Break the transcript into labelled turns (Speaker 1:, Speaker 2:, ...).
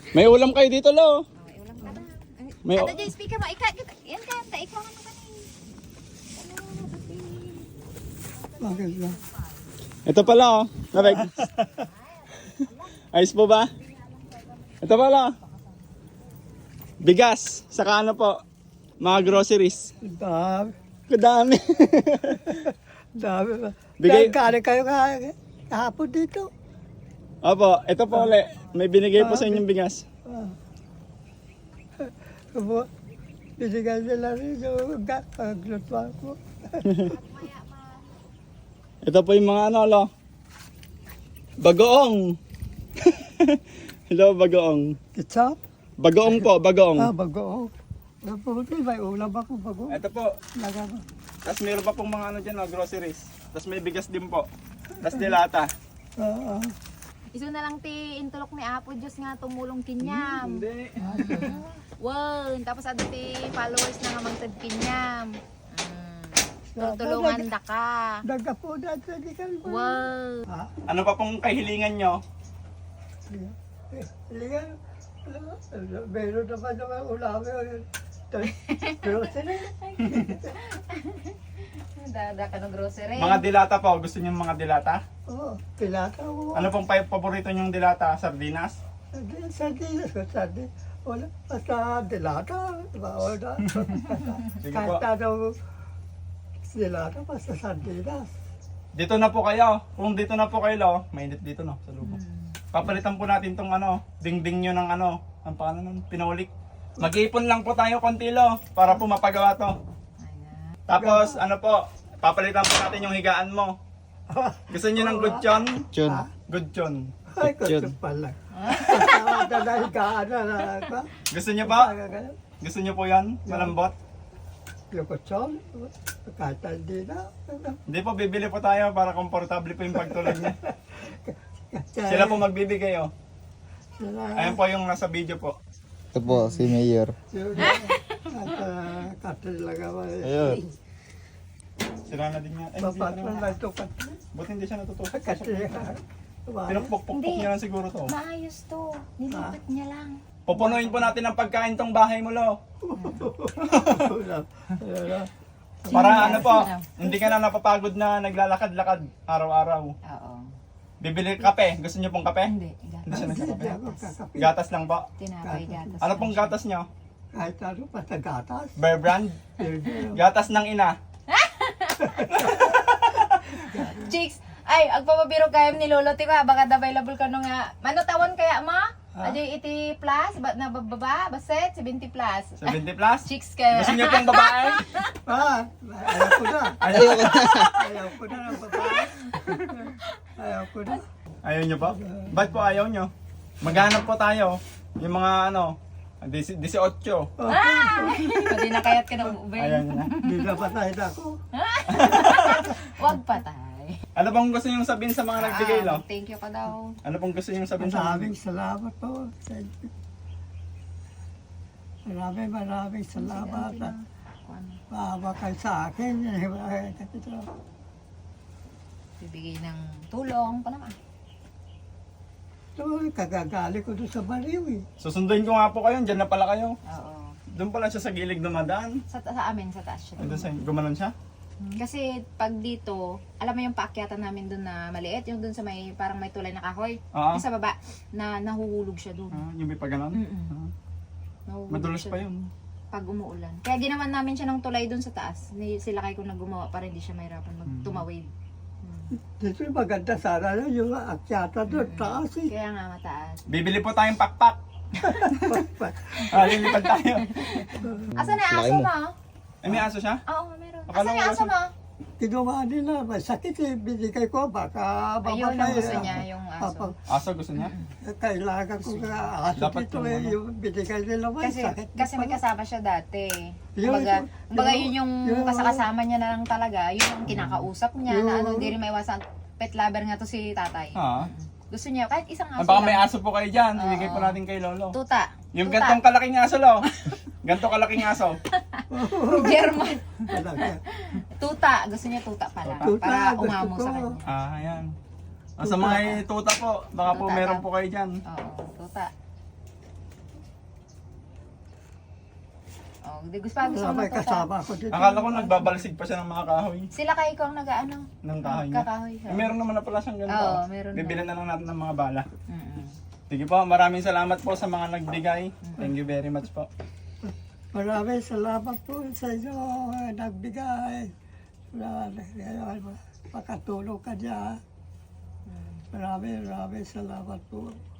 Speaker 1: May ulam kayo dito, Lo.
Speaker 2: May ulam ka na.
Speaker 1: May
Speaker 2: Ada dyan, speaker mo. Yan ka. Ikaw ano ka
Speaker 3: Bakit ba?
Speaker 1: Ito pala, oh. Nabeg. Ayos po ba? Ito pala. Bigas. Saka ano po. Mga groceries.
Speaker 3: Dami.
Speaker 1: Kadami.
Speaker 3: Dami ba?
Speaker 1: Bigay-
Speaker 3: Kari kayo kahapon dito.
Speaker 1: Opo, ito po ulit. May binigay po sa inyong bigas.
Speaker 3: Binigay nila rin yung paglutuan ko.
Speaker 1: Ito po yung mga ano, Lo. Bagoong. Hello, bagoong.
Speaker 3: Ketchup?
Speaker 1: Bagoong po, bagoong.
Speaker 3: Bagoong. Puti, may ulam ako bagoong.
Speaker 1: Ito po.
Speaker 3: Lagama.
Speaker 1: Tapos meron pa pong mga ano dyan, groceries. Tapos may bigas din po. Tapos dilata.
Speaker 2: Iso na lang ti intulok ni Apo Diyos nga tumulong kinyam.
Speaker 1: Hindi.
Speaker 2: Wow, tapos ano ti followers na nga magtad kinyam. Tutulungan da ka.
Speaker 3: Nagkapo na sa di ka.
Speaker 2: Wow.
Speaker 1: Ano pa pong kahilingan nyo?
Speaker 3: Ligan. Meron naman naman ulam yun. Pero sila.
Speaker 2: Dada ka ng grocery.
Speaker 1: Mga dilata po. Gusto nyo mga dilata?
Speaker 3: Oo, pilata mo.
Speaker 1: Ano pong paborito nyong dilata? Sardinas?
Speaker 3: Sardinas ko, sardinas. Wala, basta dilata. Wala.
Speaker 1: Sige
Speaker 3: Kahit
Speaker 1: po.
Speaker 3: ano, dilata, basta sardinas.
Speaker 1: Dito na po kayo. Kung dito na po kayo, Lo, mainit dito no, sa lubong. Papalitan po natin tong ano, dingding nyo ng ano, ang paano nun, pinaulik. Mag-iipon lang po tayo konti, Lo, para po mapagawa to. Tapos, ano po, papalitan po natin yung higaan mo. Gusto nyo ng good chon?
Speaker 4: Chun.
Speaker 1: Good chon.
Speaker 3: Ay, gusto pala. Kasama na higaan na ako.
Speaker 1: Gusto nyo po? Gusto nyo po yan? Malambot?
Speaker 3: Lukotson, kahit hindi na.
Speaker 1: Hindi po, bibili po tayo para komportable po yung pagtulog niya. Sila po magbibigay, oh. Ayan po yung nasa video po.
Speaker 4: Ito po, si Mayor.
Speaker 3: Katil lang ako.
Speaker 4: Ayun.
Speaker 1: Sira na din yan. Ay, hindi
Speaker 3: Bapat
Speaker 1: na
Speaker 3: na
Speaker 1: naman.
Speaker 3: lang ito katil.
Speaker 1: Buti hindi siya natutusok.
Speaker 3: Katil.
Speaker 1: Pinukpok-pukpok niya lang siguro to.
Speaker 2: Maayos to. Nilipat niya lang.
Speaker 1: Pupunuin po natin ang pagkain tong bahay mo, Lo. Para ano po, hindi ka na napapagod na naglalakad-lakad araw-araw.
Speaker 2: Oo.
Speaker 1: Bibili kape. Gusto niyo pong kape?
Speaker 2: Hindi.
Speaker 1: Hindi siya nagkakape.
Speaker 3: Kakapi.
Speaker 1: Gatas lang po.
Speaker 2: Tinapay gatas.
Speaker 1: Ano pong gatas niyo?
Speaker 3: Kahit ano, basta gatas.
Speaker 1: Bear Brand?
Speaker 3: Hindi.
Speaker 1: Gatas ng ina.
Speaker 2: Chicks, ay, agpapabiro kayo ni Lolo, tiba, baka available ka nung nga. Mano tawon kaya ma? Ajay 80 plus, na bababa, baset, 70 plus.
Speaker 1: 70 plus?
Speaker 2: Chicks ka.
Speaker 1: Gusto niyo pong babae?
Speaker 3: Ayaw ko na.
Speaker 1: Ayaw.
Speaker 3: Ayaw ko na ng babae. Ayaw ko na.
Speaker 1: Ayaw niyo po? Ba't po ayaw niyo? Maghanap po tayo. Yung mga ano, 18.
Speaker 2: Pwede na kaya't ka ng Uber.
Speaker 1: Ayaw niyo na.
Speaker 3: Hindi na patay na ako.
Speaker 2: Wag patay.
Speaker 1: Ano bang gusto niyo sabihin sa mga nagbigay, Lo?
Speaker 2: Thank you ka daw.
Speaker 1: Ano pong gusto niyo sabihin sa mga
Speaker 3: Maraming salamat po. Maraming salamat. Maawa kayo sa akin.
Speaker 2: Bibigay ng tulong pa naman.
Speaker 3: Kagagali ko doon sa baliw eh.
Speaker 1: Susunduin ko nga po kayo, dyan na pala kayo.
Speaker 2: Oo.
Speaker 1: Doon pala siya sa gilid dumadaan.
Speaker 2: Sa amin, sa taas siya.
Speaker 1: Ay, doon sa gumanon siya?
Speaker 2: Kasi pag dito, alam mo yung paakyatan namin doon na maliit, yung doon sa may parang may tulay na kahoy.
Speaker 1: Oo.
Speaker 2: Yung sa baba, na nahuhulog siya doon.
Speaker 1: Yung may paganon?
Speaker 2: Nahuhulog
Speaker 1: Madulas
Speaker 2: siya
Speaker 1: pa yun.
Speaker 2: pag umuulan. Kaya ginawan namin siya ng tulay doon sa taas. Sila kayo kung naggumawa para hindi siya mahirapan magtumawid.
Speaker 3: Dito yung maganda sana na yung akyata doon. Taas eh.
Speaker 2: Kaya nga mataas.
Speaker 1: Bibili po tayong pakpak. Lilipad tayo.
Speaker 2: Asa na
Speaker 4: Laki
Speaker 2: aso
Speaker 4: mo.
Speaker 2: mo?
Speaker 1: Eh, may aso siya?
Speaker 2: Oo, meron.
Speaker 1: Akala
Speaker 2: Asa
Speaker 1: ko
Speaker 2: na aso
Speaker 1: wala
Speaker 2: mo?
Speaker 3: Kinuha nila. May sakit eh. Binigay ko. Baka
Speaker 2: Ayun ang
Speaker 3: mamatay.
Speaker 2: gusto niya, yung aso.
Speaker 1: Aso gusto niya?
Speaker 3: Kailangan ko nga aso
Speaker 1: Dapat
Speaker 3: dito
Speaker 1: yung
Speaker 3: eh.
Speaker 1: ano.
Speaker 3: Yung binigay nila may
Speaker 2: Kasi,
Speaker 3: sakit.
Speaker 2: kasi may kasama siya dati.
Speaker 3: Yun,
Speaker 2: Kumbaga yun yung
Speaker 3: yun.
Speaker 2: kasakasama niya na lang talaga. Yun yung kinakausap niya na
Speaker 3: Yun.
Speaker 2: ano, hindi rin maiwasan. Pet lover nga to si tatay.
Speaker 1: Ha?
Speaker 2: Gusto niya, kahit isang aso
Speaker 1: Baka may
Speaker 2: lang.
Speaker 1: aso po kayo dyan. Ibigay po
Speaker 2: Oo.
Speaker 1: natin kay Lolo.
Speaker 2: Tuta.
Speaker 1: Yung
Speaker 2: Tuta.
Speaker 1: gantong kalaking aso, Lo. Gantong kalaking aso.
Speaker 2: German.
Speaker 3: Talaga.
Speaker 2: Tuta. Gusto niya tuta pala.
Speaker 3: Tuta,
Speaker 2: Para
Speaker 3: gusto
Speaker 2: umamo
Speaker 3: ko.
Speaker 2: sa kanya.
Speaker 1: Ayan. Sa mga tuta po, baka po
Speaker 2: Tuta
Speaker 1: meron
Speaker 2: daw.
Speaker 1: po kayo dyan.
Speaker 2: Oo, tuta. Di gusto pa gusto
Speaker 3: Wala
Speaker 2: mo
Speaker 3: may
Speaker 2: to ta.
Speaker 3: kasama ko dito.
Speaker 1: Akala ko nagbabalsig pa siya ng mga kahoy.
Speaker 2: Sila kayo ko ang nag-ano?
Speaker 1: Ng kahoy niya.
Speaker 2: Kakahoy.
Speaker 1: Eh, meron naman na pala siyang ganito.
Speaker 2: Oo, meron na.
Speaker 1: Bibilan na lang natin ng mga bala.
Speaker 2: Mm-mm.
Speaker 1: Sige po, maraming salamat po sa mga nagbigay. Thank you very much po.
Speaker 3: Maraming salamat po sa inyo nagbigay. Pakatulong ka niya. Maraming salamat po.